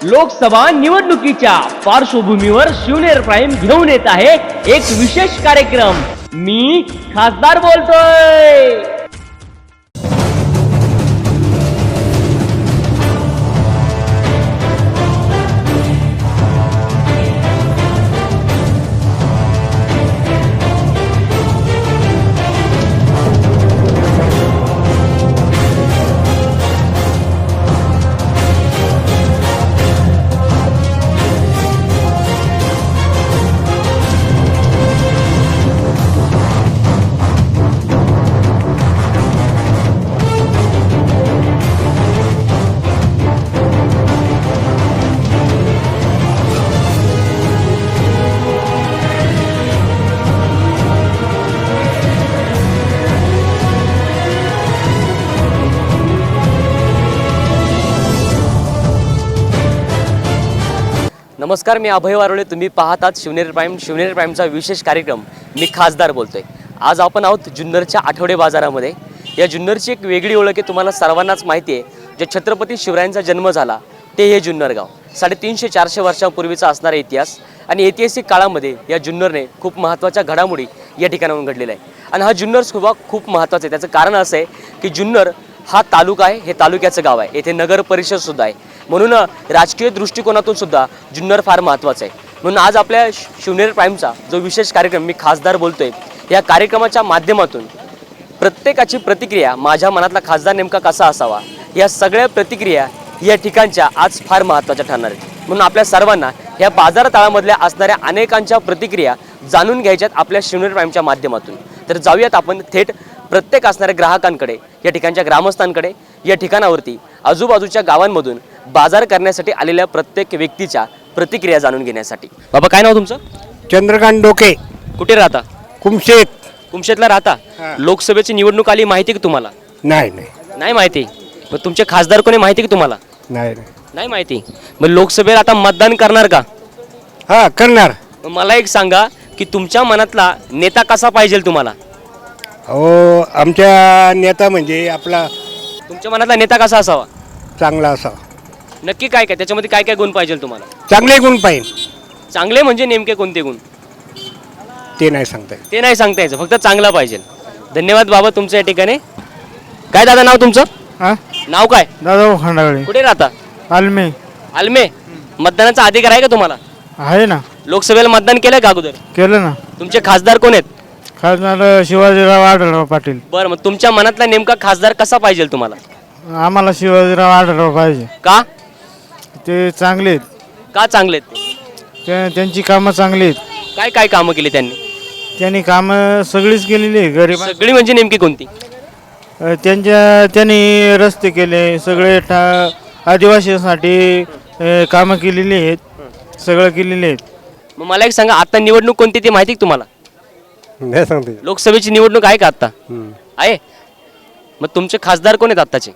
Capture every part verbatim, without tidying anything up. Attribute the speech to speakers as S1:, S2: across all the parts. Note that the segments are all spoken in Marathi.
S1: लोकसभा निवडणुकीच्या पार्श्वभूमीवर शिवनेर प्राईम घेऊन येत आहे एक विशेष कार्यक्रम। मी खासदार बोलतोय। नमस्कार, मी अभय वारोळे। तुम्ही पाहतात शिवनेर प्राईम। शिवनेर प्राईमचा विशेष कार्यक्रम मी खासदार बोलतोय। आज आपण आहोत जुन्नरच्या आठवडे बाजारामध्ये। या जुन्नरची एक वेगळी ओळख आहे, तुम्हाला सर्वांनाच माहिती आहे। जे छत्रपती शिवरायांचा जन्म झाला ते हे जुन्नर गाव, साडेतीनशे चारशे वर्षांपूर्वीचा असणारा इतिहास आणि ऐतिहासिक काळामध्ये या जुन्नरने खूप महत्त्वाच्या घडामोडी या ठिकाणाहून घडलेल्या आहे। आणि हा जुन्नर सुद्धा खूप महत्त्वाचा आहे। त्याचं कारण असं आहे की जुन्नर हा तालुका आहे, हे तालुक्याचं गाव आहे, येथे नगर परिषद सुद्धा आहे। म्हणून राजकीय दृष्टिकोनातून सुद्धा जुन्नर फार महत्त्वाचं आहे। म्हणून आज आपल्या शिवनेर प्राईमचा जो विशेष कार्यक्रम मी खासदार बोलतोय, या कार्यक्रमाच्या माध्यमातून प्रत्येकाची प्रतिक्रिया, माझ्या मनातला खासदार नेमका कसा असावा, या सगळ्या प्रतिक्रिया या ठिकाणच्या आज फार महत्त्वाच्या ठरणार आहेत। म्हणून आपल्या सर्वांना या बाजार तळामधल्या असणाऱ्या अनेकांच्या प्रतिक्रिया जाणून घ्यायच्यात आपल्या शिवनेर प्राईमच्या माध्यमातून। तर जाऊयात आपण थेट प्रत्येक असणाऱ्या ग्राहकांकडे, या ठिकाणच्या ग्रामस्थांकडे, या ठिकाणावरती आजूबाजूच्या गावांमधून बाजार करण्यासाठी आलेल्या प्रत्येक व्यक्तीच्या प्रतिक्रिया जाणून घेण्यासाठी। बाबा, काय नाव तुमचं?
S2: चंद्रकांत डोके।
S1: कुठे राहता?
S2: कुमशेत।
S1: कुमशेतला राहता? लोकसभेची निवडणूक आली, माहिती की तुम्हाला?
S2: नाही नाही
S1: नाही माहिती। मग तुमचे खासदार कोणी माहिती की तुम्हाला?
S2: नाही नाही
S1: नाही माहिती। मग लोकसभेला आता मतदान करणार का?
S2: हा, करणार।
S1: मग मला एक सांगा की तुमच्या मनातला नेता कसा पाहिजे तुम्हाला?
S2: हो, आमच्या नेता म्हणजे आपला
S1: तुमच्या मनातला नेता कसा असावा?
S2: चांगला असावा।
S1: नक्की काय काय त्याच्यामध्ये काय काय गुण पाहिजे तुम्हाला?
S2: चांगले गुण पाहिजे।
S1: चांगले म्हणजे नेमके कोणते गुण
S2: ते नाही सांगता येत।
S1: ते नाही सांगता यायचं, फक्त चांगला पाहिजे। धन्यवाद बाबा तुमच्या या ठिकाणी। काय दादा नाव तुमचं?
S3: हा,
S1: नाव काय?
S3: दादा खंडागळे।
S1: कुठे राहता?
S3: आलमे।
S1: आलमे। मतदानाचा अधिकार आहे का तुम्हाला?
S3: आहे ना।
S1: लोकसभेला मतदान केलंय का अगोदर?
S3: केलं ना।
S1: तुमचे खासदार कोण आहेत?
S3: खासदार शिवाजीराव आढळराव पाटील।
S1: बरं, मग तुमच्या मनातला नेमका खासदार कसा पाहिजे तुम्हाला?
S3: आम्हाला शिवाजीराव आढळराव पाहिजे।
S1: का?
S3: ते चांगले आहेत।
S1: का चांगले आहेत ते?
S3: त्या- त्यांची कामं चांगली आहेत।
S1: काय काय कामं केली त्यांनी?
S3: त्यांनी कामं सगळीच केलेली आहे। गरीब
S1: सगळी म्हणजे नेमकी कोणती?
S3: त्यांच्या त्यांनी रस्ते केले, सगळे ठा आदिवासींसाठी अ, कामं केलेली आहेत, सगळं केलेले आहेत।
S1: मग मला एक सांगा, आता निवडणूक कोणती ते माहिती का तुम्हाला?
S2: नाही सांगता येत।
S1: लोकसभेची निवडणूक आहे का आता?
S2: हम्म.
S1: आहे। मग तुमचे खासदार कोण आहेत आत्ताचे?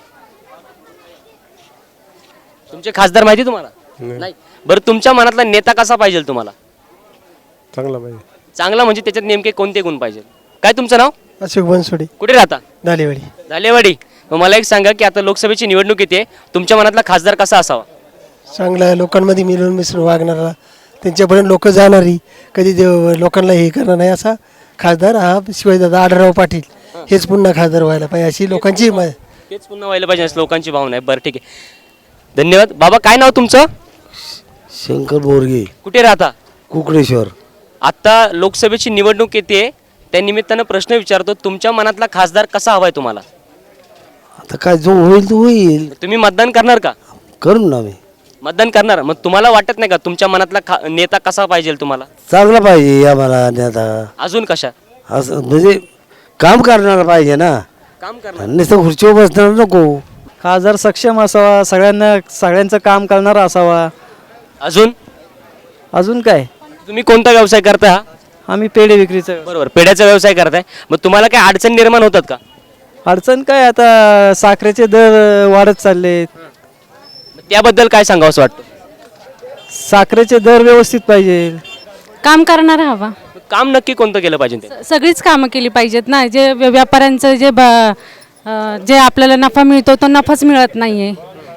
S1: तुमचे खासदार माहिती तुम्हाला?
S2: नाही.
S1: नाही। बरं, तुमच्या मनातला नेता कसा पाहिजे तुम्हाला?
S2: चांगला पाहिजे।
S1: चांगला म्हणजे त्याच्यात नेमके कोणते गुण पाहिजे? काय तुमचं नाव?
S4: अशोक बनसोडे।
S1: कुठे राहता?
S4: दालेवाडी।
S1: झालेवाडी। मग मला एक सांगा की आता लोकसभेची निवडणूक येते, तुमच्या मनातला खासदार कसा असावा?
S4: चांगला लोकांमध्ये मिळून मिसळून वागणारा, त्यांच्यापर्यंत लोक जाणारी, कधी देव लोकांना हे करणार नाही असा खासदार हा शिवाजीदादा आढळराव पाटील हेच पुन्हा खासदार व्हायला पाहिजे अशी लोकांची म-
S1: तेच पुन्हा व्हायला पाहिजे असं लोकांची भावना आहे। बरं, ठीक आहे, धन्यवाद बाबा। काय नाव तुमचं?
S5: शंकर बोरगे।
S1: कुठे राहता?
S5: कुकडेश्वर।
S1: आता लोकसभेची निवडणूक येते, त्या निमित्तानं प्रश्न विचारतो, तुमच्या मनातला खासदार कसा हवाय तुम्हाला?
S5: आता काय जो होईल तो होईल,
S1: तुम्ही मतदान करणार का?
S5: करू ना मी।
S1: मतदान करणार। मग तुम्हाला वाटत नाही का तुमच्या मनातला खा नेता कसा पाहिजे तुम्हाला?
S5: चांगला पाहिजे आम्हाला नेता।
S1: अजून कशा?
S5: असं म्हणजे काम करणारा पाहिजे ना,
S1: काम करणार।
S5: नुसतं खुर्चीवर बसणार नको।
S3: खासदार सक्षम असावा, सगळ्यांना सगळ्यांचं काम करणारा असावा।
S1: अजून
S3: अजून काय?
S1: तुम्ही कोणता व्यवसाय करता? हा,
S3: आम्ही पेढे विक्रीचं।
S1: बरोबर, पेढ्याचा व्यवसाय करताय। मग तुम्हाला काय अडचण निर्माण होतात का?
S3: अडचण काय, आता साखरेचे दर वाढत चाललेत,
S1: त्याबद्दल काय सांगावं असं वाटतं?
S3: साखरेचे दर व्यवस्थित पाहिजे।
S6: काम करणारा हवा।
S1: काम नक्की कोणतं केलं पाहिजे ते?
S6: सगळीच कामं केली पाहिजेत ना। जे व्य- व्यापाऱ्यांचं जे ब- अं, जे आपल्याला नफा मिळतो तो नफाच मिळत नाही आहे,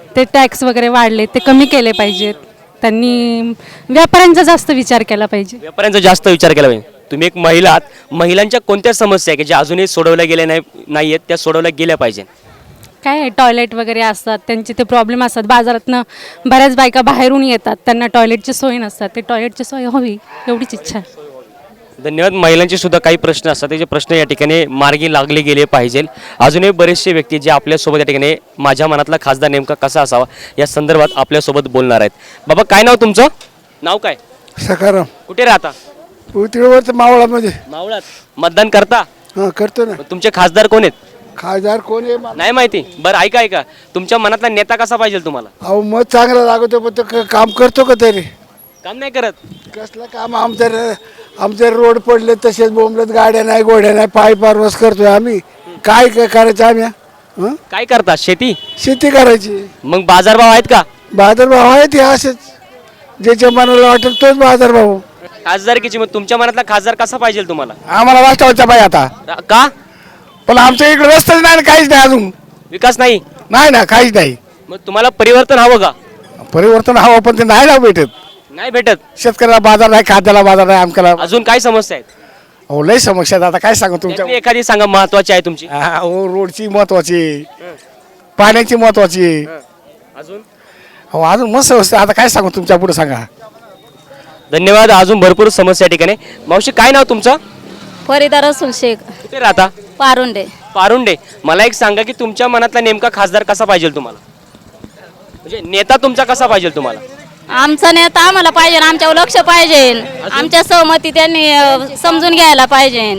S6: ते टॅक्स वगैरे वाढले ते कमी केले पाहिजेत. त्यांनी व्यापाऱ्यांचा जास्त विचार केला पाहिजे.
S1: व्यापाऱ्यांचा जास्त विचार केला पाहिजे. तुम्ही एक महिला आहात, महिलांच्या कोणत्या समस्या आहे की ज्या अजूनही सोडवल्या गेल्या नाही नाही आहेत त्या सोडवल्या गेल्या पाहिजे?
S6: काय आहे, टॉयलेट वगैरे असतात त्यांचे ते प्रॉब्लेम असतात. बाजारातनं बऱ्याच बायका बाहेरून येतात, त्यांना टॉयलेटची सोय नसतात. ते टॉयलेटची सोय हवी एवढीच इच्छा आहे.
S1: धन्यवाद. महिलांचे सुद्धा काही प्रश्न असतात, त्याचे प्रश्न या ठिकाणी मार्गी लागले गेले पाहिजे. अजूनही बरेचसे व्यक्ती जे आपल्यासोबत या ठिकाणी माझ्या मनातला खासदार नेमका कसा असावा या संदर्भात आपल्यासोबत बोलणार आहेत. बाबा काय नाव तुमचं? नाव काय?
S7: सकाराम
S1: कुठे राहता?
S7: तिळवरचं मावळामध्ये.
S1: मावळात. मतदान करता?
S7: हां करतो ना.
S1: मग तुमचे खासदार कोण आहेत?
S7: खासदार कोण आहे मला-
S1: नाही माहिती. बरं ऐका ऐका, तुमच्या मनातला नेता कसा पाहिजे तुम्हाला?
S7: अहो मत चांगला लागतो पण तो क- काम करतो का तरी?
S1: काम नाही करत.
S7: कसलं काम? आमच्या र- आमचे रोड पडले तसेच बोंबलत, गाड्या नाही गोड्या नाही, पाय पारवस करतोय आम्ही. काय काय करायचं आम्ही? हं?
S1: काय करता? शेती?
S7: शेती करायची.
S1: मग बाजारभाव आहेत का?
S7: बाजारभाव आहे ते असेच, ज्याच्या मनाला वाटेल तोच बाजारभाव.
S1: खासदारकीची मग तुमच्या मनातला खासदार कसा पाहिजे तुम्हाला?
S7: आम्हाला वाचवायचा पाहिजे आता,
S1: का?
S7: पण आमच्या इकडे रस्ताच नाही ना, काहीच नाही अजून.
S1: विकास नाही?
S7: नाही ना, काहीच नाही.
S1: मग तुम्हाला परिवर्तन हवं का?
S7: परिवर्तन हवं पण ते नाही ना भेटत.
S1: नाही भेटत.
S7: शेतकऱ्याला बाजार नाही, खाद्याला बाजार नाही, आमच्याला
S1: अजून काय समस्या आहेत?
S7: हो लय समस्या आहेत. आता काय सांगू तुमच्या?
S1: त्यातली एखादी सांगा महत्वाची आहे तुमची.
S7: हा, हो रोडची महत्वाची, पाण्याची महत्वाची.
S1: अजून?
S7: हो अजून मस्त असते. आता काय सांगू तुमच्या पुढे सांगा.
S1: धन्यवाद. अजून भरपूर समस्या या ठिकाणी. मावशी काय नाव तुमचं?
S8: फरीदा रसूल शेख,
S1: कुठे राहता?
S8: पारुंडे.
S1: पारुंडे. मला एक सांगा की तुमच्या मनातला नेमका खासदार कसा पाहिजे तुम्हाला? म्हणजे नेता तुमचा कसा पाहिजे तुम्हाला?
S8: आमचा नेता आम्हाला पाहिजे, आमच्यावर लक्ष पाहिजे, आमच्या सहमती त्यांनी अ, समजून घ्यायला पाहिजे.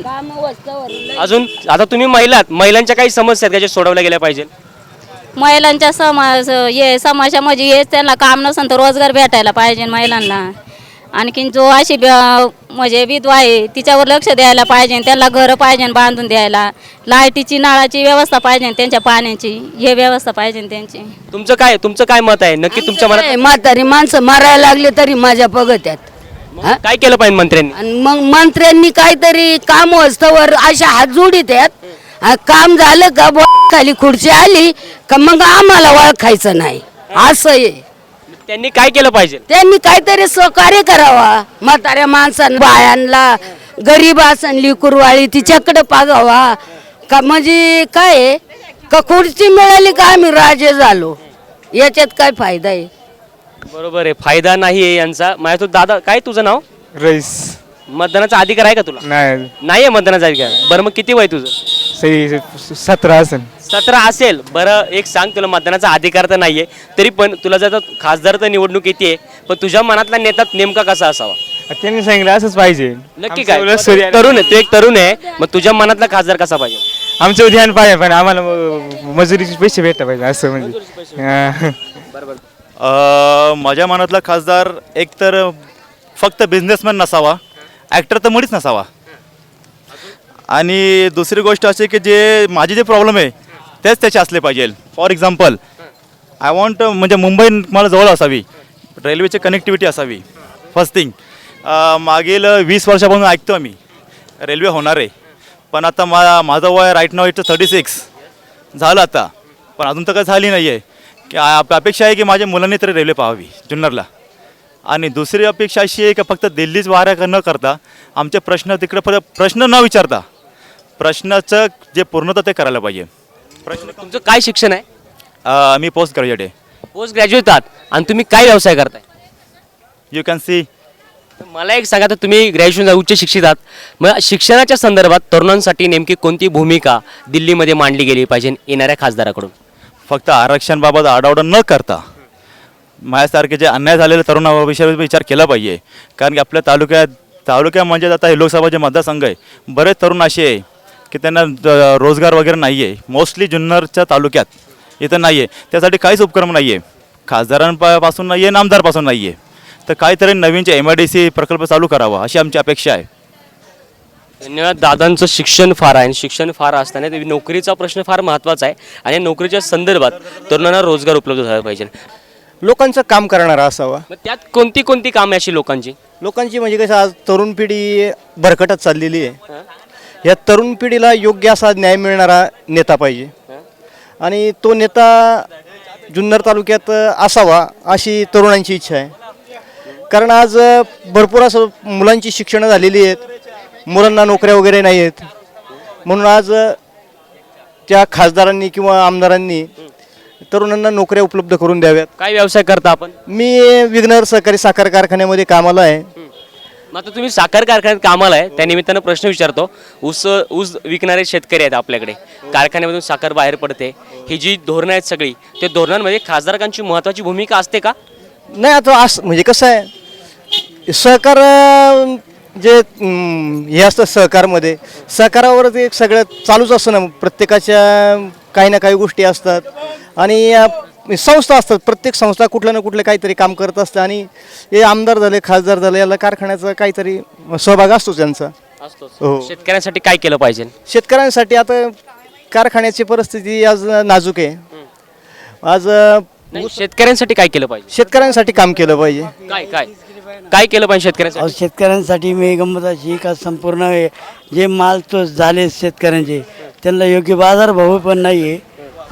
S1: अजून आता तुम्ही महिला आहात, महिलांच्या काही समस्या आहेत का ज्या सोडवल्या गेल्या पाहिजे?
S8: महिलांच्या समाज हे समाजामध्ये हे त्यांना काम नसेल तर रोजगार भेटायला पाहिजे महिलांना. आणखीन जो अशी ब- म्हणजे विधवा आहे तिच्यावर लक्ष द्यायला पाहिजे, त्यांना घरं पाहिजे बांधून द्यायला, लाईटीची नळाची व्यवस्था पाहिजे, त्यांच्या पाण्याची हे व्यवस्था पाहिजे त्यांची.
S1: तुमचं काय तुमचं काय मत आहे नक्की तुमच्या मनात?
S9: म्हातारी माणसं मारायला लागले तरी माझ्या बघत्यात.
S1: मग काय केलं पाहिजे मंत्र्यांनी?
S9: आणि मग मंत्र्यांनी काहीतरी काम वस्तवर अशा हात जोडीत आहेत. काम झालं का बुवा खाली खुर्ची आली का मग आम्हाला ओळखायचं नाही असं आहे.
S1: त्यांनी काय केलं पाहिजे?
S9: त्यांनी काहीतरी सहकार्य करावा. म्हाताऱ्या माणसांना, बायांना, गरीब असन लिकुरवाळी तिच्याकडे पागावा का. म्हणजे काय आहे का खुर्ची मिळाली का आम्ही राजे झालो, याच्यात काय फायदा आहे?
S1: बरोबर आहे, फायदा नाही आहे यांचा. माझ्या तू दादा काय तुझं नाव?
S2: रईस.
S1: मतदानाचा अधिकार आहे का तुला?
S2: नाही
S1: नाही आहे मतदानाचा अधिकार. बरं मग किती वय तुझं?
S2: सही सतरा असेल.
S1: सतरा असेल. बरं एक सांग, तुला मतदानाचा अधिकार तर नाहीये तरी पण तुला जर आता खासदार तर निवडणूक येते, पण तुझ्या मनातला नेता नेमका कसा असावा?
S2: त्यांनी सांगितलं असंच पाहिजे.
S1: नक्की काय? तरुण आहे, तू एक तरुण आहे, मग तुझ्या मनातला खासदार कसा पाहिजे?
S2: आमचं ध्यान पाहिजे पण आम्हाला म- मजुरीचे पैसे भेटले पाहिजे असं म्हणजे. हा.
S10: अ, माझ्या मनातला खासदार एक तर फक्त बिझनेसमॅन नसावा, ॲक्टर तर मुळीच नसावा. आणि दुसरी गोष्ट अशी की जे माझे जे प्रॉब्लेम आहे तेच त्याचे असले पाहिजे. फॉर एक्झाम्पल आय वॉन्ट म्हणजे मुंबई मला जवळ असावी, रेल्वेची कनेक्टिव्हिटी असावी. फर्स्ट थिंग, मागील वीस वर्षापासून ऐकतो आम्ही रेल्वे होणार आहे, पण आता मा माझं वय राईट नाव इट्स थर्टी सिक्स झालं आता, पण अजून तर काही झाली नाही आहे. की आप- अपेक्षा आहे की माझ्या मुलांनी तरी रेल्वे पाहावी जुन्नरला. आणि दुसरी अपेक्षा अशी आहे की फक्त दिल्लीच वाऱ्या न करता आमचे प्रश्न तिकडे प्र प्रश्न न विचारता प्रश्नाचं जे पूर्णता ते करायला पाहिजे.
S1: प्रश्न तुमचं काय शिक्षण आहे?
S10: अ, मी पोस्ट ग्रॅज्युएट आहे.
S1: पोस्ट ग्रॅज्युएट आहात आणि तुम्ही काय व्यवसाय करताय?
S10: You can see.
S1: मला एक सांगा, तर तुम्ही ग्रॅज्युएशन उच्च शिक्षित आहात, मग शिक्षणाच्या संदर्भात तरुणांसाठी नेमकी कोणती भूमिका दिल्लीमध्ये मांडली गेली पाहिजे येणाऱ्या खासदाराकडून?
S10: फक्त आरक्षणाबाबत आडावडा न करता माझ्यासारखे जे अन्याय झालेले तरुणाविषयी विचार केला पाहिजे. कारण की आपल्या तालुक्यात तालुक्या म्हणजे आता हे लोकसभा जे मतदारसंघ आहे, बरेच तरुण असे आहे की त्यांना ज- रोजगार वगैरे नाही आहे. मोस्टली जुन्नरच्या तालुक्यात इथं नाही आहे, त्यासाठी काहीच उपक्रम नाही आहे, खासदारांपासून नाही आहे, नामदारपासून नाही आहे. तर काहीतरी नवीनचे एम आय डी सी प्रकल्प चालू करावा अशी आमची अपेक्षा आहे.
S1: धन्यवाद. दादांचं शिक्षण फार आहे आणि शिक्षण फार असताना ते नोकरीचा प्रश्न फार महत्त्वाचा आहे आणि नोकरीच्या संदर्भात तरुणांना रोजगार उपलब्ध झाला पाहिजे.
S11: लोकांचं काम करणारा असावा.
S1: मग त्यात कोणती कोणती कामे अशी लोकांची?
S11: लोकांची म्हणजे कसं आज तरुण पिढी भरकटत चाललेली आहे. या तरुण पिढीला योग्य असा न्याय मिळणारा नेता पाहिजे. आणि तो नेता जुन्नर तालुक्यात अ, असावा अशी तरुणांची इच्छा आहे. कारण आज अ, भरपूर असं मुलांची शिक्षणं झालेली आहेत, मुलांना नोकऱ्या वगैरे नाही आहेत. म्हणून आज अ, त्या खासदारांनी किंवा आमदारांनी तरुणांना नोकऱ्या उपलब्ध करून द्याव्यात.
S1: काय व्यवसाय करता आपण?
S11: मी विघ्नर सहकारी साखर कारखान्यामध्ये कामाला आहे.
S1: मग आता तुम्ही साखर कारखान्यात कामाला आहे, त्या निमित्तानं प्रश्न विचारतो. ऊस ऊस विकणारे शेतकरी आहेत आपल्याकडे, कारखान्यामधून साखर बाहेर पडते, ही जी धोरणं आहेत सगळी, त्या धोरणांमध्ये खासदारांची महत्त्वाची भूमिका असते का?
S11: नाही, आता असं म्हणजे कसं आहे, सहकार अं, जे अं, हे असतं सहकारमध्ये, सहकारावरच एक सगळं चालूच असतं ना. प्रत्येकाच्या काही ना काही गोष्टी असतात आणि अं, संस्था असतात. प्रत्येक संस्था कुठलं ना कुठलं काहीतरी काम करत असतं आणि हे आमदार झाले, खासदार झाले, याला कारखान्याचा काहीतरी सहभाग असतो त्यांचा. हो.
S1: शेतकऱ्यांसाठी काय केलं पाहिजे?
S11: शेतकऱ्यांसाठी आता कारखान्याची परिस्थिती आज नाजूक आहे. आज अं,
S1: नाही, शेतकऱ्यांसाठी काय केलं पाहिजे?
S11: शेतकऱ्यांसाठी काम केलं पाहिजे.
S1: काय काय काय केलं पाहिजे शेतकऱ्यांसाठी?
S5: शेतकऱ्यांसाठी मी गंमत अशी का संपूर्ण हे जे माल तो झाले शेतकऱ्यांचे त्यांना योग्य बाजारभाव पण नाही आहे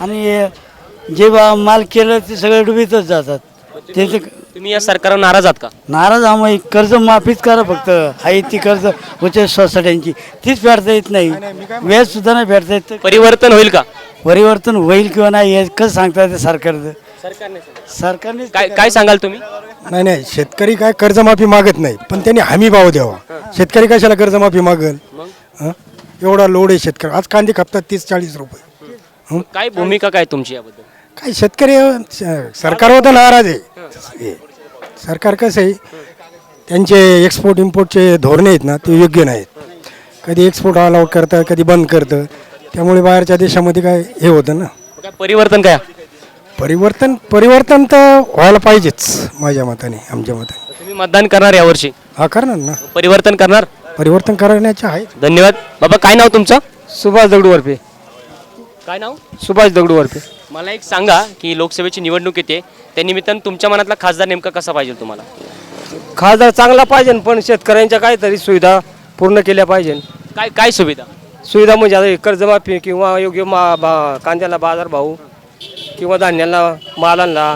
S5: आणि जे बा माल केलं ते सगळे डुबीतच जातात. त्याचे
S1: तुम्ही या सरकारवर नाराज आहात का?
S5: नाराज आम्ही कर्ज माफीच करा फक्त. आहे ती कर्ज होते सोसायट्यांची तीच फेडता येत नाही, व्याज सुद्धा नाही फेडता येत.
S1: परिवर्तन होईल का?
S5: परिवर्तन होईल किंवा नाही हे कसं सांगता येतं सरकारचं? सरकारने
S1: काय काय सांगाल तुम्ही?
S4: नाही नाही, शेतकरी काय कर्जमाफी मागत नाही, पण त्यांनी हमी भाव द्यावा. शेतकरी कशाला कर्जमाफी मागल? हं? एवढा लोड आहे शेतकरी. आज कांदे खपतात तीस चाळीस रुपये.
S1: काय भूमिका काय तुमची याबद्दल?
S4: काय शेतकरी स- सरकारवर तर नाराज आहे. सरकार कसं आहे, त्यांचे एक्सपोर्ट इम्पोर्टचे धोरणे आहेत ना ते योग्य नाहीत. कधी एक्सपोर्ट अलाउड करतं, कधी बंद करतं. त्यामुळे बाहेरच्या देशामध्ये काय हे होतं ना.
S1: काय परिवर्तन काय?
S4: परिवर्तन परिवर्तन तर व्हायला पाहिजेच माझ्या मताने, आमच्या मताने.
S1: तुम्ही मतदान करणार यावर्षी?
S4: हा करणार ना,
S1: परिवर्तन करणार?
S4: परिवर्तन करण्याचे आहे.
S1: धन्यवाद. बाबा काय नाव तुमचं?
S2: सुभाष दगडू वरपे.
S1: काय नाव?
S2: सुभाष दगडू वरपे.
S1: मला एक सांगा की लोकसभेची निवडणूक येते, त्या निमित्तानं तुमच्या मनातला खासदार नेमका कसा पाहिजे तुम्हाला?
S2: खासदार चांगला पाहिजे पण शेतकऱ्यांच्या काहीतरी सुविधा पूर्ण केल्या पाहिजे.
S1: काय काय सुविधा?
S2: सुविधा म्हणजे आता कर्जमाफी किंवा योग्य मा बा कांद्याला बाजारभाव किंवा धान्याला मालांना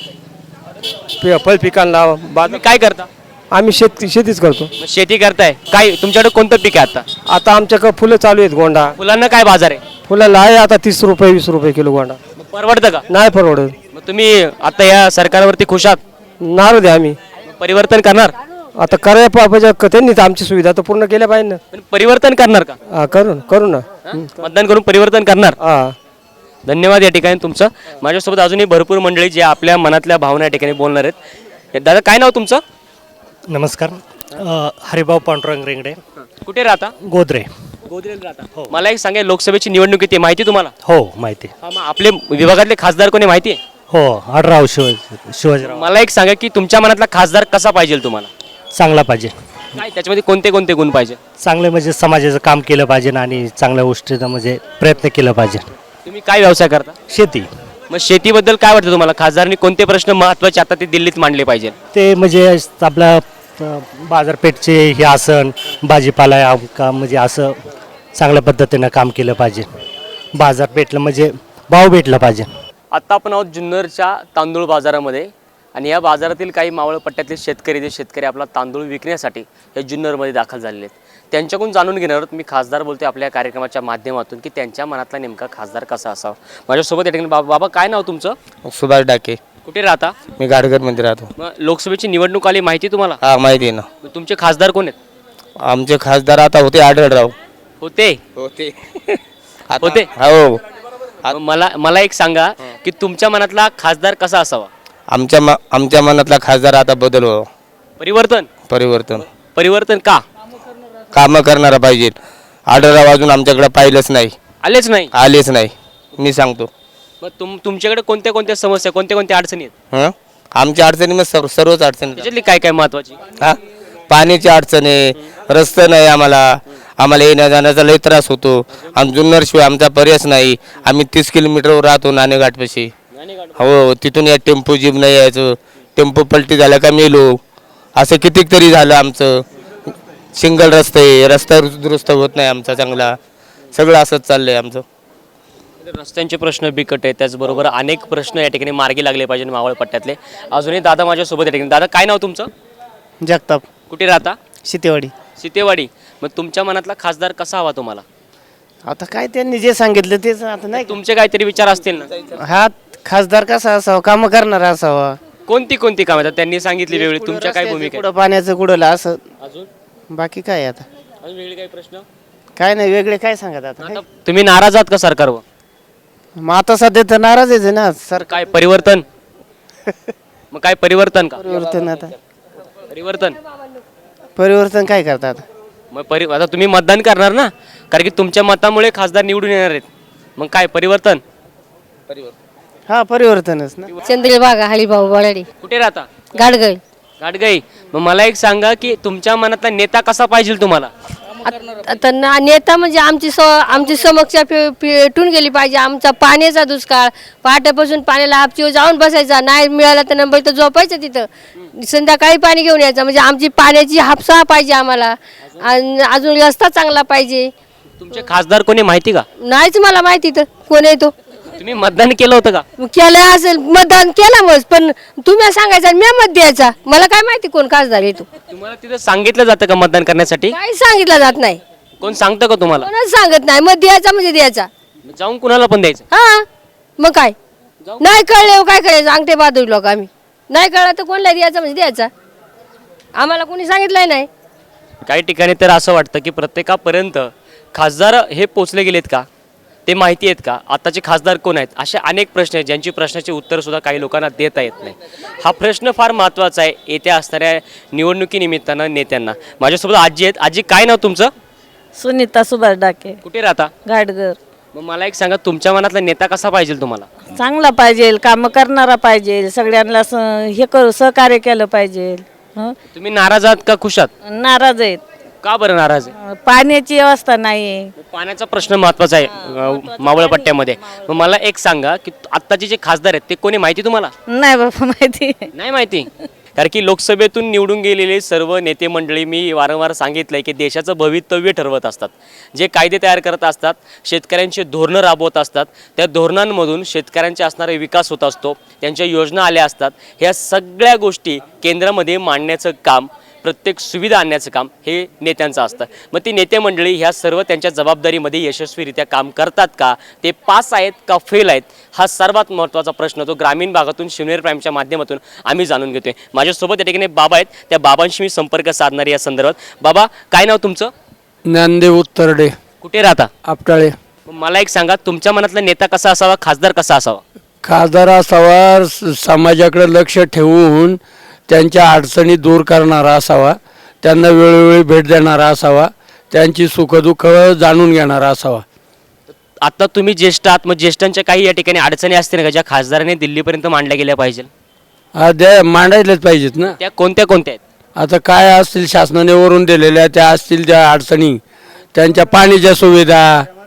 S2: पि- फळ पिकांना बाजार.
S1: तुम्ही काय करता?
S2: आम्ही शेत शेतीच करतो.
S1: मग शेती करताय, काय तुमच्याकडे कोणतं पीक आहे आता?
S2: आता आमच्याकडे फुलं चालू आहेत. गोंडा
S1: फुलांना काय बाजार आहे?
S2: फुलाला आहे आता तीस रुपये वीस रुपये किलो गोंडा.
S1: मग परवडतं का?
S2: नाही परवडत.
S1: मग तुम्ही आता या सरकारवरती खुश आहात?
S2: नारू द्या आम्ही
S1: मग परिवर्तन करणार?
S2: आता करायला पाहिजे. त्यांनी तर आमची सुविधा तर पूर्ण केल्या पाहिजे ना.
S1: पण परिवर्तन करणार का?
S2: हा करू ना करू ना.
S1: मतदान करून परिवर्तन करणार?
S2: हा.
S1: धन्यवाद या ठिकाणी तुमचं. माझ्यासोबत अजूनही भरपूर मंडळी जे आपल्या मनातल्या भावना या ठिकाणी बोलणार आहेत. दादा काय नाव तुमचं?
S12: नमस्कार. अ, हरिभाऊ पांडुरंग रेंगडे,
S1: कुठे राहता?
S12: गोदरे.
S1: गोदरेला राहता. मला एक सांगा, लोकसभेची निवडणूक येते, माहिती तुम्हाला?
S12: हो माहिती.
S1: हा, मग आपले विभागातले खासदार कोणी माहिती आहे?
S12: हो आढराव शिव शिवाजीराव.
S1: मला एक सांगा की तुमच्या मनातला खासदार कसा पाहिजे तुम्हाला?
S12: चांगला पाहिजे.
S1: काय त्याच्यामध्ये कोणते कोणते गुण पाहिजे?
S12: चांगले म्हणजे समाजाचं काम केलं पाहिजे आणि चांगल्या गोष्टीचं म्हणजे प्रयत्न केला पाहिजे.
S1: तुम्ही काय व्यवसाय करता?
S12: शेती.
S1: मग शेतीबद्दल काय वाटतं तुम्हाला? खासदारांनी कोणते प्रश्न महत्त्वाचे आता ते दिल्लीत मांडले पाहिजे?
S12: ते म्हणजे आपल्या अ, बाजारपेठचे हे आसन भाजीपाला का म्हणजे असं चांगल्या पद्धतीनं काम केलं पाहिजे. बाजारपेठला म्हणजे भाव भेटला पाहिजे.
S1: आत्ता आपण आहोत जुन्नरच्या तांदूळ बाजारामध्ये आणि या बाजारातील काही मावळ पट्ट्यातले शेतकरी जे शेतकरी आपला तांदूळ विकण्यासाठी या जुन्नरमध्ये दाखल झालेले आहेत, त्यांच्याकडून जाणून घेणार आहोत. मी खासदार बोलतोय आपल्या कार्यक्रमाच्या माध्यमातून की त्यांच्या मनातला नेमका खासदार कसा असावा. माझ्यासोबत या ठिकाणी बाबा बाबा काय नाव तुमचं?
S2: सुभाष डाके.
S1: कुठे राहता?
S2: मी गाडगरमध्ये राहतो.
S1: मग लोकसभेची निवडणूक आली, माहिती तुम्हाला?
S2: हा माहिती आहे ना.
S1: मग तुमचे खासदार कोण आहेत?
S2: आमचे खासदार आता होते आढळराव.
S1: होते
S2: होते
S1: होते
S2: हो.
S1: मग मला मला एक सांगा की तुमच्या मनातला खासदार कसा असावा?
S2: आमच्या म आमच्या मनातला खासदार आता बदल हो.
S1: परिवर्तन.
S2: परिवर्तन
S1: परिवर्तन का?
S2: कामं करणारा पाहिजे. आढळराव अजून आमच्याकडे पाहिलंच नाही,
S1: आलेच नाही.
S2: आलेच नाही. मी सांगतो.
S1: मग तुम तुमच्याकडे कोणत्या कोणत्या समस्या, कोणत्या कोणत्या अडचणी आहेत?
S2: हं आमच्या अडचणी मग सर्व सर्वच अडचणी.
S1: त्याच्यातली काय काय महत्वाची?
S2: हा पाण्याची अडचण आहे, रस्ते नाही आम्हाला. आम्हाला येण्या जाण्याचा लई त्रास होतो. आम जुन्नरशिवाय आमचा पर्यायच नाही. आम्ही तीस किलोमीटरवर राहतो नाणेघाटपाशी. हो, तिथून या टेम्पो जीप नाही यायचं. टेम्पो पलटी झाला का मेलो. असं कितीक तरी झालं आमचं. सिंगल रस्ते, रस्ता दुरुस्त होत नाही आमचा चांगला. सगळं असंच चाललंय आमचं.
S1: रस्त्यांचे प्रश्न बिकट आहेत, त्याचबरोबर अनेक प्रश्न या ठिकाणी मार्गी लागले पाहिजे मावळ पट्ट्यातले. अजूनही दादा माझ्यासोबत या ठिकाणी. दादा काय नाव तुमचं?
S3: जगताप
S1: कुठे राहता?
S3: शितेवाडी.
S1: सीतेवाडी. मग तुमच्या मनातला खासदार कसा हवा तुम्हाला?
S3: आता काय त्यांनी जे सांगितलं तेच आता नाही.
S1: तुमचे काहीतरी विचार असतील ना.
S3: हा खासदार कसा असावा, काम करणारा असावा.
S1: कोणती कोणती कामं आहेत त्यांनी सांगितली वेगळी, तुमच्या काय भूमिका
S3: कुठं पाण्याचं कुठं असं,
S1: आहे? अजून
S3: बाकी काय आता
S1: अजून वेगळे काही प्रश्न?
S3: काय नाही वेगळे काय सांगत आता.
S1: आता तुम्ही नाराज आहात का सरकारवर?
S3: मग आता सध्या तर नाराज आहे ना सर.
S1: काय परिवर्तन? मग काय परिवर्तन का?
S3: परिवर्तन आता
S1: परिवर्तन
S3: परिवर्तन काय करतात?
S1: मग परि आता तुम्ही मतदान करणार ना, कारण की तुमच्या मतामुळे खासदार निवडून येणार आहेत. मग काय परिवर्तन?
S3: हा परिवर्तनच ना.
S9: चंद्रबागा हळीभाऊ बळाडी
S1: कुठे राहता?
S9: गाडगळ.
S1: गाडगाई. मग मला एक सांगा की तुमच्या मनातला नेता कसा पाहिजे तुम्हाला?
S9: आता ना नेता म्हणजे आमची स आमची समस्या पे- पेटून गेली पाहिजे. आमचा पाण्याचा दुष्काळ, पहाटेपासून पाण्याला हापचीवर जाऊन बसायचा, नाही मिळाला तर नंबर तर झोपायचं तिथं, संध्याकाळी पाणी घेऊन यायचं. म्हणजे आमची पाण्याची हापसा पाहिजे आम्हाला, आणि अजून रस्ता चांगला पाहिजे.
S1: तुमचे खासदार कोणी माहिती का?
S9: नाहीच मला माहिती तर कोण आहे तो.
S1: तुम्ही मतदान केलं होतं का?
S9: केलं असेल, मतदान केलं मग, पण तुम्ही सांगायचं मी मत द्यायचा. मला काय माहिती कोण खासदार आहे तो.
S1: तुम्हाला तिथं सांगितलं जातं का मतदान करण्यासाठी?
S9: काही सांगितलं जात नाही,
S1: कोण सांगतं का तुम्हाला?
S9: कोणच सांगत नाही. मत द्यायचा म्हणजे द्यायचा.
S1: जाऊन कुणाला पण द्यायचं?
S9: हा मग काय नाही कळले काय करायचं, अंगठे बहादूर लोक आम्ही. नाही कळलं तर कोणला द्यायचा म्हणजे द्यायचा. आम्हाला कोणी सांगितलंय नाही.
S1: काही ठिकाणी तर असं वाटतं की प्रत्येकापर्यंत खासदार हे पोचले गेलेत का, ते माहिती आहेत का, आताचे खासदार कोण आहेत, असे अनेक प्रश्न आहेत ज्यांची प्रश्नाचे उत्तर सुद्धा काही लोकांना देता येत नाही. हा प्रश्न फार महत्त्वाचा आहे येत्या असणाऱ्या निवडणुकीनिमित्तानं नेत्यांना. माझ्यासोबत आजी आहेत. आजी काय नाव तुमचं?
S13: सुनीता सुभाष डाके,
S1: कुठे राहता?
S13: गाडगर.
S1: मग मला एक सांगा तुमच्या मनातला नेता कसा पाहिजे तुम्हाला?
S13: चांगला पाहिजे, काम करणारा पाहिजे, सगळ्यांना स- हे करू सहकार्य केलं पाहिजे. हं?
S1: तुम्ही नाराज आहात का खुश आहात?
S13: नाराज आहेत,
S1: का बरं नाराज आहे?
S13: पाण्याची व्यवस्था नाही.
S1: पाण्याचा प्रश्न महत्त्वाचा आहे अं, मावळ पट्ट्यामध्ये. मग मला एक सांगा की आत्ताचे जे खासदार आहेत ते कोणी माहिती तुम्हाला?
S13: नाही बाबा माहिती.
S1: नाही माहिती. कारण की लोकसभेतून निवडून गेलेले सर्व नेते मंडळी मी वारंवार सांगितलंय की देशाचं भवितव्य ठरवत असतात, जे कायदे तयार करत असतात, शेतकऱ्यांचे धोरणं राबवत असतात, त्या धोरणांमधून शेतकऱ्यांचे असणारे विकास होत असतो, त्यांच्या योजना आल्या असतात. ह्या सगळ्या गोष्टी केंद्रामध्ये मांडण्याचं काम, प्रत्येक सुविधा आणण्याचं काम हे नेत्यांचं असतं. मग ती नेते मंडळी ह्या सर्व त्यांच्या जबाबदारीमध्ये यशस्वीरित्या काम करतात का, ते पास आहेत का फेल आहेत, हा सर्वात महत्त्वाचा प्रश्न तो ग्रामीण भागातून शिवनेरी प्राईमच्या माध्यमातून आम्ही जाणून घेतोय. माझ्यासोबत या ठिकाणी बाबा आहेत, त्या बाबांशी मी संपर्क साधणार या संदर्भात. बाबा काय नाव तुमचं?
S7: ज्ञानदेव उत्तरडे,
S1: कुठे राहता?
S7: आपटाळे.
S1: मग मला एक सांगा तुमच्या मनातला नेता कसा असावा, खासदार कसा असावा?
S7: खासदार असावा स- समाजाकडे लक्ष ठेवून त्यांच्या अडचणी दूर करणारा असावा, त्यांना वेळोवेळी भेट देणारा असावा, त्यांची सुखदुःख जाणून घेणारा असावा.
S1: आता तुम्ही ज्येष्ठ आहात, मग ज्येष्ठांच्या काही या ठिकाणी अडचणी असतील का ज्या खासदाराने दिल्लीपर्यंत मांडल्या गेल्या पाहिजे?
S7: हा द्या मांडायलाच पाहिजेत ना.
S1: त्या कोणत्या कोणत्या आहेत?
S7: आता काय असतील शासनाने वरून दिलेल्या त्या असतील त्या अडचणी, त्यांच्या पाण्याच्या सुविधा,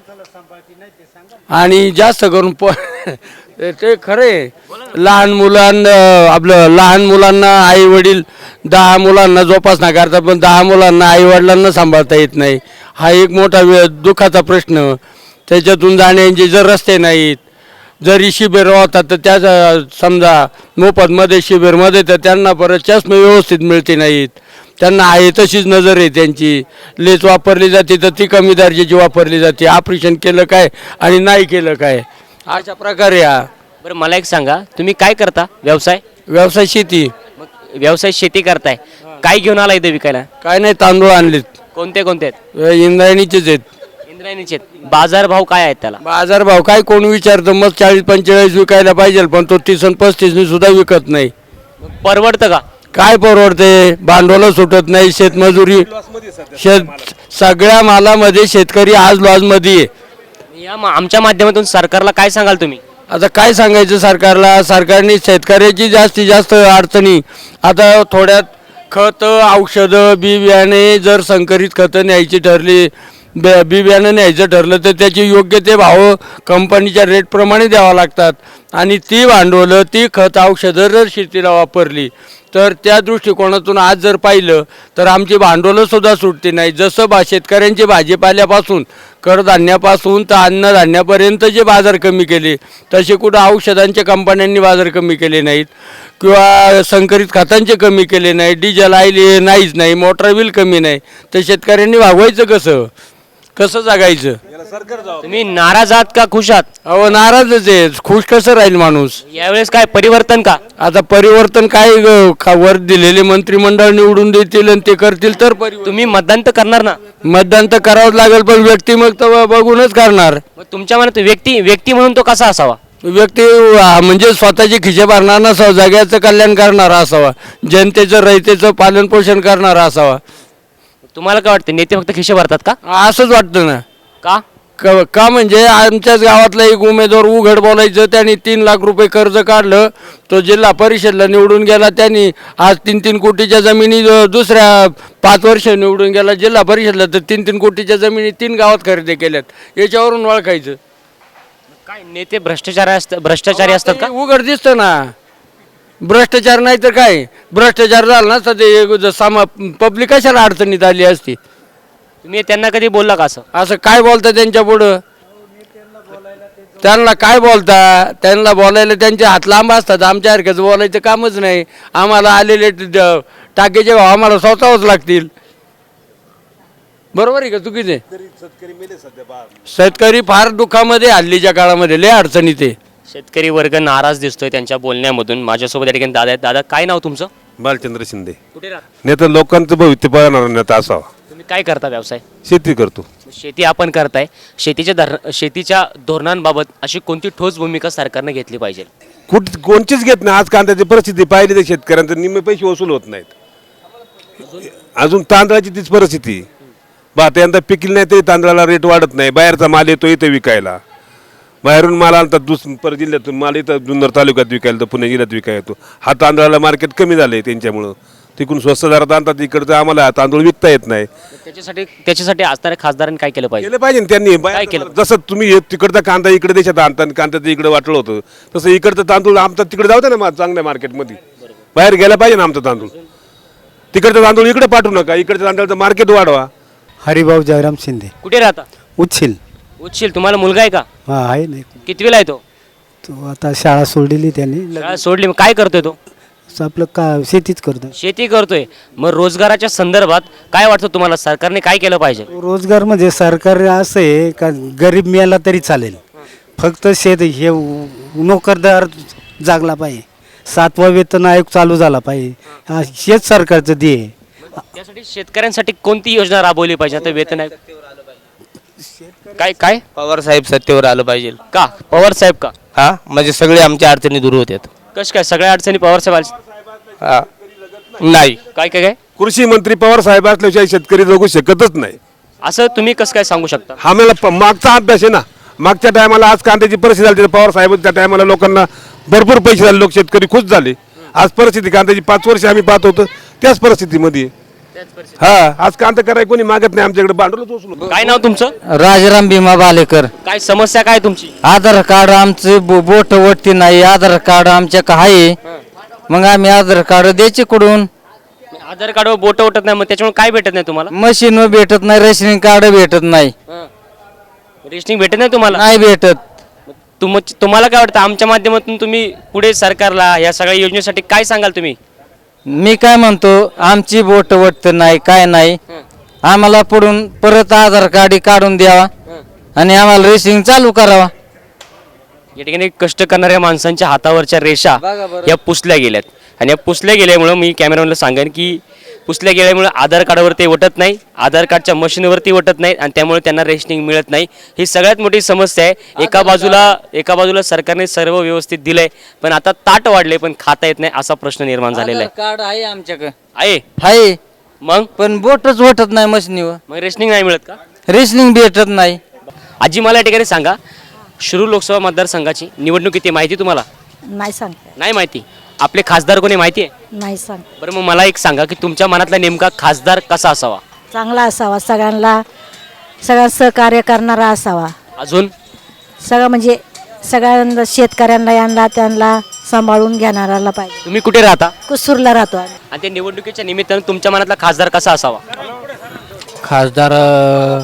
S7: आणि जास्त करून प ते खरे लहान मुलांना आपलं लहान मुलांना आई वडील दहा मुलांना जोपासना करतात, पण दहा मुलांना आई वडिलांना सांभाळता येत नाही. हा एक मोठा वे दुःखाचा प्रश्न. त्याच्यातून जाण्याचे जर रस्ते नाहीत, जरी शिबिर होतात तर त्या समजा मोफतमध्ये शिबिरमध्ये तर त्यांना परत चष्मे व्यवस्थित मिळते नाहीत. त्यांना आहे तशीच नजर आहे त्यांची. लेच वापरली जाते तर ती कमी दर्जाची वापरली जाते. ऑपरेशन केलं काय आणि नाही केलं काय, अशा प्रकारे. हा
S1: बरं मला एक सांगा तुम्ही काय करता व्यवसाय?
S7: व्यवसाय शेती.
S1: मग व्यवसाय शेती करताय, काय घेऊन आला इथं विकायला?
S7: काय नाही, तांदूळ आणलेत,
S1: कोणते कोणते आहेत?
S7: इंद्रायणीचेच आहेत.
S1: इंद्रायणीचे आहेत. बाजार भाव काय आहेत त्याला?
S7: बाजार भाव काय कोण विचारतं, मग चाळीस पंचेचाळीस विकायला पाहिजे, पण तो तीस आणि पस्तीसनी सुद्धा विकत नाही.
S1: मग परवडतं का?
S7: काय परवडते, भांडवल सुटत नाही, शेतमजुरी, शेत सगळ्या मालामध्ये शेतकरी आज लॉसमध्ये आहे.
S1: या मा- आमच्या माध्यमातून सरकारला काय सांगाल तुम्ही?
S7: आता काय सांगायचं सरकारला, सरकारने शेतकऱ्याची जास्तीत जास्त अडचणी, आता थोड्यात खतं औषधं बी बियाणे जर संकरित खतं न्यायची ठरली, बे बी बियाणं न्यायचं ठरलं तर त्याचे योग्य ते भाव कंपनीच्या रेटप्रमाणे द्यावा लागतात. आणि ती भांडवलं ती खत औषधं जर शेतीला वापरली तर त्या दृष्टिकोनातून आज जर पाहिलं तर आमची भांडवलंसुद्धा सुटते नाही. जसं बा शेतकऱ्यांचे भाजीपाल्यापासून कडधान्यापासून तर अन्नधान्यापर्यंत जे बाजार कमी केले, तसे कुठं औषधांच्या कंपन्यांनी बाजार कमी केले नाहीत किंवा संकरित खतांचे कमी केले नाही, डिझेल आयले नाहीच नाही, मोटर बिल कमी नाही. तर शेतकऱ्यांनी भागवायचं कसं, कसं जगायचं?
S1: तुम्ही नाराज आहात का खुश आहात?
S7: अहो नाराजच आहे, खुश कसं राहील माणूस?
S1: यावेळेस काय परिवर्तन का?
S7: आता परिवर्तन काय ग- खा- वर दिलेले मंत्रिमंडळ निवडून देतील आणि ते करतील तर परिवर्तन.
S1: तुम्ही मतदान तर करणार ना?
S7: मतदान तर करावंच लागेल, पण व्यक्ती मग तर बघूनच करणार.
S1: मग तुमच्या मनात व्यक्ती व्यक्ती म्हणून तो कसा असावा?
S7: व्यक्ती आ, म्हणजे स्वतःचे खिशे भरणार नसावा, जगाचं कल्याण करणारा असावा, जनतेचं रयतेचं पालन पोषण करणारा असावा.
S1: तुम्हाला काय वाटतं, नेते फक्त खिशे भरतात का?
S7: असंच वाटतं ना.
S1: का?
S7: क- का म्हणजे आमच्याच गावातला एक उमेदवार उघड बोलायचं, त्यांनी तीन लाख रुपये कर्ज काढलं, तो जिल्हा परिषदला निवडून गेला, त्यांनी आज तीन तीन कोटीच्या जमिनी ज- दुसऱ्या पाच वर्ष निवडून गेला जिल्हा परिषदला, तर तीन तीन कोटीच्या जमिनी तीन गावात खरेदी केल्यात. याच्यावरून ओळखायचं
S1: काय नेते भ्रष्टाचारी असतात भ्रष्टाचारी असतात का?
S7: उघड दिसतं ना. भ्रष्टाचार नाही तर काय, भ्रष्टाचार झाला ना तर ते सामा पब्लिक कशाला अडचणीत आली असती.
S1: तुम्ही त्यांना कधी बोलला का असं?
S7: असं काय बोलता त्यांच्या पुढं? त्यांना काय बोलता? त्यांना बोलायला त्यांचे हात लांब असतात, आमच्यासारखंच बोलायचं कामच नाही. आम्हाला आलेले ट- टाकेचे भाव आम्हाला स्वतःच लागतील. बरोबर आहे का चुकीचे? शेतकरी फार दुःखामध्ये हल्लीच्या काळामध्ये, लय अडचणीत आहे.
S1: शेतकरी वर्ग नाराज दिसतोय त्यांच्या बोलण्यामधून. माझ्यासोबत या ठिकाणी दादा आहेत. दादा, काय नाव तुमचं?
S14: बालचंद्र शिंदे.
S1: कुठे राहता?
S14: नेता लोकांचं भविष्य पाहणार नेता असावा.
S1: तुम्ही काय करता व्यवसाय?
S14: शेती करतो.
S1: शेती आपण करताय. शेतीच्या धर शेतीच्या धोरणांबाबत अशी कोणती ठोस भूमिका सरकारने घेतली पाहिजे?
S14: कुठ कोणचीच घेत नाही. आज कांद्याची परिस्थिती पाहिली तर शेतकऱ्यांचं निम्मे पैसे वसूल होत नाहीत. अजून तांदळाची तीच परिस्थिती. भात यंदा पिकली नाही तरी तांदळाला रेट वाढत नाही. बाहेरचा माल येतो इथं विकायला, बाहेरून माल आणतात दुस पर जिल्ह्यातून माल इथं जुन्नर तालुक्यात विकायला, तर पुणे जिल्ह्यात विकायला येतो. हा तांदळाला मार्केट कमी झाले त्यांच्यामुळं, तिकडून स्वस्त दरात आणतात, इकडचं आम्हाला हा तांदूळ विकता येत नाही.
S1: त्याच्यासाठी त्याच्यासाठी असणाऱ्या खासदारांनी काय केलं पाहिजे?
S14: केलं पाहिजे ना त्यांनी.
S1: काय केलं?
S14: जसं तुम्ही हे तिकडचा कांदा इकडे देशात आणता आणि कांद्याचं इकडे वाटलं होतं, तसं इकडचं तांदूळ आमचा तिकडे जाऊ दे ना मा- चांगल्या मार्केटमध्ये. बाहेर गेला पाहिजे ना आमचा तांदूळ. तिकडचा तांदूळ इकडे पाठवू नका, इकडच्या तांदळाचं मार्केट वाढवा.
S12: हरिभाऊ जयराम शिंदे,
S1: कुठे राहता?
S12: उच्छिल.
S1: उच्शील. तुम्हाला मुलगा आहे का?
S12: हा आहे नाही,
S1: कितवीला आहे तो?
S12: तो आता शाळा सोडलेली त्यांनी,
S1: शाळा सोडली. मग काय करतोय तो?
S12: आपलं का शेतीच करतो.
S1: शेती करतोय. मग रोजगाराच्या संदर्भात काय वाटतं तुम्हाला, सरकारने काय केलं पाहिजे?
S12: रोजगार म्हणजे सरकार असं आहे का गरीब मिळाला तरी चालेल, फक्त शेत हे नोकरदार जागला पाहिजे, सातवा वेतन आयोग चालू झाला पाहिजे, हा हेच सरकारचं ध्येय.
S1: त्यासाठी शेतकऱ्यांसाठी कोणती योजना राबवली पाहिजे? आता वेतन आयोग काय काय
S2: पवार साहेब सत्तेवर आलं पाहिजे.
S1: का? पवार साहेब का?
S2: हा म्हणजे सगळे आमच्या अडचणी दूर होत्यात.
S1: कश काय सगळ्या अडचणी पवार साहेब आले?
S2: हा नाही,
S1: काय काय काय
S14: कृषी मंत्री पवार साहेब असल्याशिवाय शेतकरी जगू शकतच नाही.
S1: असं तुम्ही कसं काय सांगू शकता?
S14: हा मला प- मागचा अभ्यास आहे ना. मागच्या टायमाला आज कांद्याची परिस्थिती झाली, तर पवार साहेब त्या टायमाला लोकांना भरपूर पैसे झाले, लोक शेतकरी खुश झाले. आज परिस्थिती कांद्याची पाच वर्ष आम्ही पाहत होतो त्याच परिस्थितीमध्ये. हा आज कांदा करायला कोणी मागत नाही, आमच्याकडे भांडवलच उचलून.
S1: काय नाव तुमचं?
S5: राजाराम भीमा बालेकर.
S1: काय समस्या काय तुमची?
S5: आधार कार्ड आमचे बो- बोट वटती नाही, आधार कार्ड आमच्या आहे, मग आम्ही आधार कार्ड द्यायचे कुठून?
S1: आधार कार्डवर बोट उठत नाही, मग त्याच्यामुळे काय भेटत नाही तुम्हाला?
S5: मशीन भेटत नाही, रेशनिंग कार्ड भेटत नाही,
S1: रेशनिंग भेटत नाही तुम्हाला?
S5: नाही भेटत.
S1: तुम तुम्हाला काय वाटतं, आमच्या माध्यमातून तुम्ही पुढे सरकारला या सगळ्या योजनेसाठी काय सांगाल तुम्ही?
S5: मी काय म्हणतो, आमची बोट वटत नाही, काय नाही, आम्हाला पुढून परत आधार कार्ड काढून द्यावा आणि आम्हाला रेसिंग चालू करावा.
S1: या ठिकाणी कष्ट करणाऱ्या माणसांच्या हातावरच्या रेषा या पुसल्या गेल्यात, आणि या पुसल्या गेल्यामुळं मी कॅमेरामॅनला सांगेन की पुसल्या गेल्यामुळे आधार कार्डावरती वटत नाही, आधार कार्डच्या मशीनवरती वटत नाही, आणि त्यामुळे त्यांना रेशनिंग मिळत नाही. ही सगळ्यात मोठी समस्या आहे. एका बाजूला एका बाजूला सरकारने सर्व व्यवस्थित दिलंय, पण आता ताट वाढले पण खाता येत नाही, असा प्रश्न निर्माण झालेला आहे.
S5: कार्ड आहे आमच्याकडे,
S1: आहे
S5: आहे,
S1: मग
S5: पण बोटच वटत नाही मशीनीवर,
S1: मग रेशनिंग नाही मिळत का?
S5: रेशनिंग भेटत नाही.
S1: आजी, मला या ठिकाणी सांगा, शिरूर लोकसभा मतदारसंघाची निवडणूक किती माहिती तुम्हाला?
S9: नाही सांगता,
S1: नाही माहिती. आपले खासदार कोणी माहिती आहे?
S9: नाही सांग.
S1: बरं, मग मला एक सांगा की तुमच्या मनातला नेमका खासदार कसा असावा?
S9: चांगला असावा, सगळ्यांना सगळ्या सहकार्य करणारा असावा,
S1: अजून
S9: सगळं म्हणजे सगळ्यांना शेतकऱ्यांना यांना त्यांना सांभाळून घेणाराला पाहिजे.
S1: तुम्ही कुठे राहता?
S9: कुसूरला राहतो आम्ही.
S1: आणि त्या निवडणुकीच्या निमित्तानं तुमच्या मनातला खासदार कसा असावा?
S12: खासदार अ,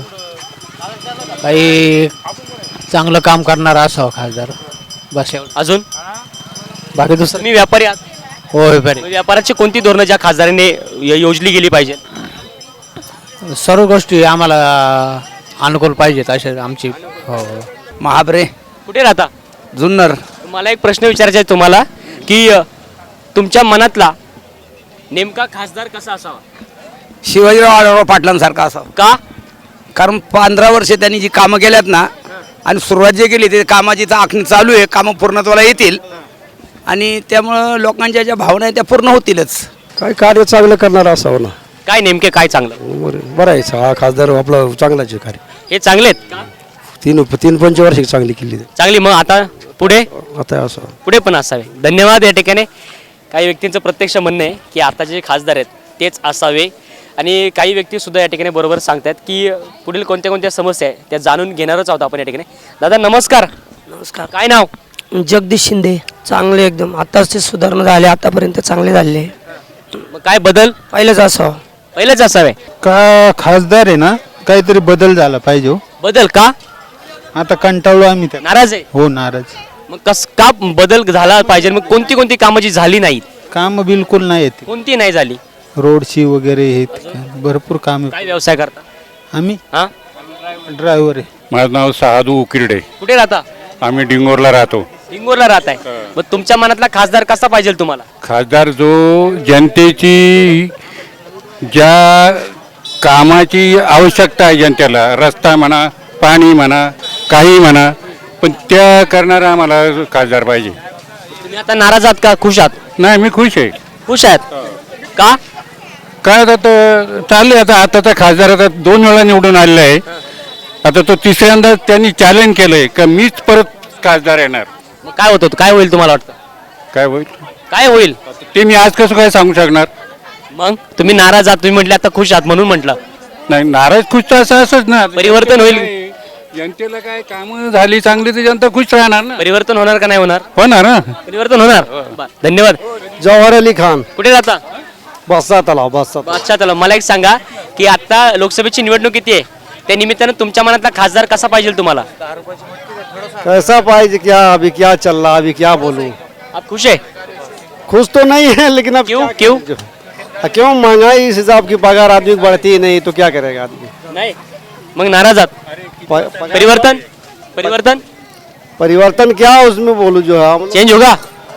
S12: काही चांगलं काम करणारा असावा खासदार, बस एवढं.
S1: अजून
S12: बाकी दुसरं
S1: तुम्ही व्यापारी आहात,
S12: होय बरे.
S1: मग व्यापाराची कोणती धोरणं ज्या खासदाराने य- योजली गेली पाहिजे?
S12: सर्व गोष्टी आम्हाला अनुकूल पाहिजेत असे आमची. हो
S5: महाबरे
S1: कुठे राहता?
S5: जुन्नर.
S1: मला एक प्रश्न विचारायचा आहे तुम्हाला की अ, तुमच्या मनातला नेमका खासदार कसा असावा?
S5: शिवाजीराव आढळराव पाटलांसारखा असावा.
S1: का?
S5: कारण पंधरा वर्ष त्यांनी जी कामं केल्यात ना आणि सुरुवात जे केली ते कामाची तर आखणी चालू आहे, कामं पूर्णत्वाला येतील आणि त्यामुळं लोकांच्या ज्या भावना आहेत त्या पूर्ण होतीलच.
S11: काय कार्य चांगलं करणार असावं ना.
S1: काय नेमके काय चांगलं?
S11: बरं आहे हा खासदार आपला चांगलाच आहे कार्य.
S1: हे चांगले आहेत का?
S11: तीन तीन पंचवार्षिक चांगली केली
S1: चांगली. मग आता पुढे
S11: आता असं
S1: पुढे पण असावे. धन्यवाद. या ठिकाणी काही व्यक्तींचं प्रत्यक्ष म्हणणं आहे की आताचे जे खासदार आहेत तेच असावे आणि काही व्यक्ती सुद्धा या ठिकाणी बरोबर सांगतात की पुढील कोणत्या कोणत्या समस्या आहे त्या जाणून घेणारच आहोत आपण या ठिकाणी. दादा नमस्कार.
S4: नमस्कार.
S1: काय नाव?
S4: जगदीश शिंदे. चांगले एकदम आताच सुधारणा झाले, आतापर्यंत चांगले झाले.
S1: मग काय बदल?
S4: पहिलंच असावं.
S1: पहिलेच असावे
S3: का खासदार आहे ना, काहीतरी बदल झाला पाहिजे हो.
S1: बदल का?
S3: आता कंटाळलो आम्ही त्या.
S1: नाराज आहे?
S3: हो नाराज.
S1: मग कस का बदल झाला पाहिजे? मग कोणती कोणती कामं जी झाली नाहीत?
S3: काम बिलकुल नाही येते.
S1: कोणती नाही झाली?
S3: रोडची वगैरे हे भरपूर काम.
S1: काय व्यवसाय करता?
S3: आम्ही
S1: हा
S3: ड्रायव्हर आहे.
S14: माझं नाव सहादू उकिरडे.
S1: कुठे राहता?
S14: आम्ही डिंगोरला राहतो.
S1: हिंगोरला राहत आहे. मग तुमच्या मनातला खासदार कसा पाहिजे तुम्हाला?
S14: खासदार जो जनतेची ज्या कामाची आवश्यकता आहे जनतेला, रस्ता म्हणा, पाणी म्हणा, काही म्हणा, पण त्या करणारा आम्हाला खासदार पाहिजे.
S1: तुम्ही आता नाराज आहात का खुश आहात?
S14: नाही, मी खुश आहे.
S1: खुश आहेत का?
S14: काय आता तर चाललंय. आता आताचा खासदार आता दोन वेळा निवडून आलेला आहे. आता तो तिसऱ्यांदा त्यांनी चॅलेंज केलंय का मीच परत खासदार येणार.
S1: मग काय होतं? काय होईल तुम्हाला वाटतं?
S14: काय होईल
S1: काय होईल
S14: ते मी आज कसं काय सांगू शकणार.
S1: मग तुम्ही नाराज आहात, तुम्ही म्हटले आता खुश आहात म्हणून म्हटलं.
S14: नाही, नाराज खुश तर असं असंच ना.
S1: परिवर्तन होईल.
S14: जनतेला काय कामं झाली चांगली तर जनता खुश राहणार ना.
S1: परिवर्तन होणार का नाही होणार?
S14: होणार ना.
S1: परिवर्तन होणार. बरं, धन्यवाद.
S11: जवाहर अली खान.
S1: कुठे राहता?
S11: बसा तलाव बसा.
S1: अच्छा चला. मला एक सांगा की आता लोकसभेची निवडणूक किती आहे, त्या निमित्तानं तुमच्या मनातला खासदार कसा पाहिजे तुम्हाला?
S11: कैसा पाहिजे क्या अभी क्या चल रहा अभी क्या बोलूं.
S1: आप खुश आहे?
S11: खुश तो नहीं है लेकिन अब
S1: क्यों क्यों
S11: क्यों महंगाई इस हिसाब की पगार आदमी की बढ़ती ही नहीं तो क्या करेगा आदमी.
S1: नाही. मग नाराज आहात? परिवर्तन परिवर्तन
S11: परिवर्तन क्या उसमें बोलूं जो है
S1: चेंज होगा.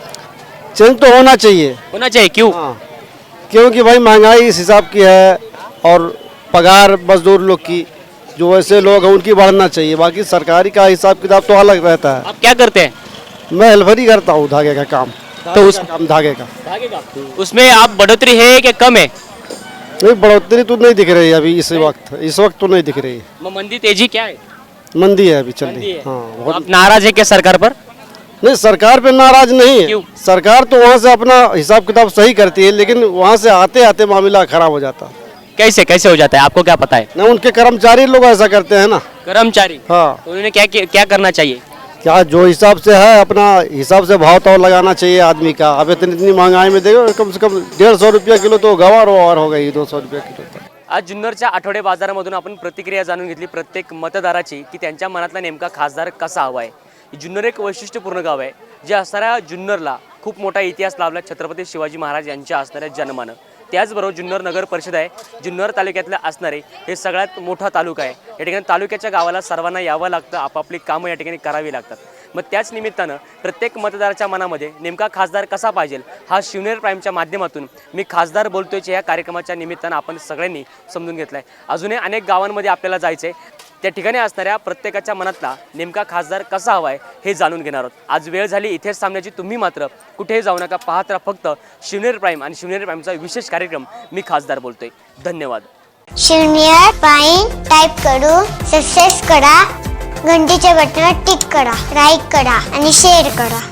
S11: चेंज तो होना चाहिए.
S1: होना चाहिए. क्यों?
S11: क्योंकि भाई महंगाई इस हिसाब की है और पगार मजदूर लोग की जो वैसे लोग हैं उनकी बढ़ना चाहिए. बाकी सरकारी का हिसाब किताब तो अलग रहता है.
S1: आप क्या करते हैं?
S11: मैं हेल्पर ही करता हूँ धागे का काम.
S1: तो उस
S11: काम धागे का
S1: उसमें आप बढ़ोतरी है कि कम है?
S11: नहीं, बढ़ोतरी तो नहीं दिख रही है अभी इस वक्त. इस वक्त तो नहीं दिख रही है.
S1: मग मंदी तेजी क्या है?
S11: मंदी है अभी चल रही
S1: मंदी
S11: है.
S1: है.
S11: हाँ
S1: तो आप नाराज है क्या सरकार पर?
S11: नहीं, सरकार पे नाराज नहीं
S1: क्यों?
S11: है. सरकार तो वहाँ से अपना हिसाब किताब सही करती है लेकिन वहाँ से आते आते मामला खराब हो जाता है.
S1: कैसे कैसे हो जाता है, आपको क्या पता है?
S11: ना उनके कर्मचारी लोग ऐसा करते हैं ना.
S1: कर्मचारी.
S11: हाँ,
S1: तो उन्होंने क्या क्या करना चाहिए?
S11: क्या जो हिसाब से है अपना हिसाब से भाव ताव लगाना चाहिए आदमी का. अब इतनी इतनी महंगाई में देखो कम से कम डेढ़ सौ रुपया किलो तो गवार और हो गई दो सौ रुपया किलो तक.
S1: आज जुन्नरच्या आठवडे बाजारामधून आपण प्रतिक्रिया जाणून घेतली प्रत्येक मतदाराची की त्यांच्या मनातला नेमका खासदार कसा हवा आहे. जुन्नर एक वैशिष्ट्यपूर्ण गाव आहे जे असणाऱ्या जुन्नरला खूप मोठा इतिहास लाभला छत्रपती शिवाजी महाराज यांच्या असणाऱ्या जन्मानं. त्याचबरोबर जुन्नर नगर परिषद आहे, जुन्नर तालुक्यातलं असणारे हे सगळ्यात मोठा तालुका आहे. या ठिकाणी तालुक्याच्या गावाला सर्वांना यावं लागतं, आपापली कामं या ठिकाणी करावी लागतात. मग त्याच निमित्तानं प्रत्येक मतदाराच्या मनामध्ये नेमका खासदार कसा पाहिजे हा शिवनेर प्राईमच्या माध्यमातून मी खासदार बोलतोयच्या या कार्यक्रमाच्या निमित्तानं आपण सगळ्यांनी समजून घेतलं आहे. अजूनही अनेक गावांमध्ये आपल्याला जायचं आहे, त्या ठिकाणी असणाऱ्या प्रत्येकाच्या मनातला नेमका खासदार कसा हवा आहे हे जाणून घेणार आहोत. आज वेळ झाली इथेच थांबण्याची. तुम्ही मात्र कुठेही जाऊ नका, पाहत राहा फक्त शिवनेर प्राईम आणि शिवनेर प्राईमचा विशेष कार्यक्रम मी खासदार बोलतोय. धन्यवाद.
S15: शिवनेर प्राईम टाईप करून सबस्क्राईब करा, घंटीच्या बटनावर टिक करा, लाईक करा आणि शेअर करा.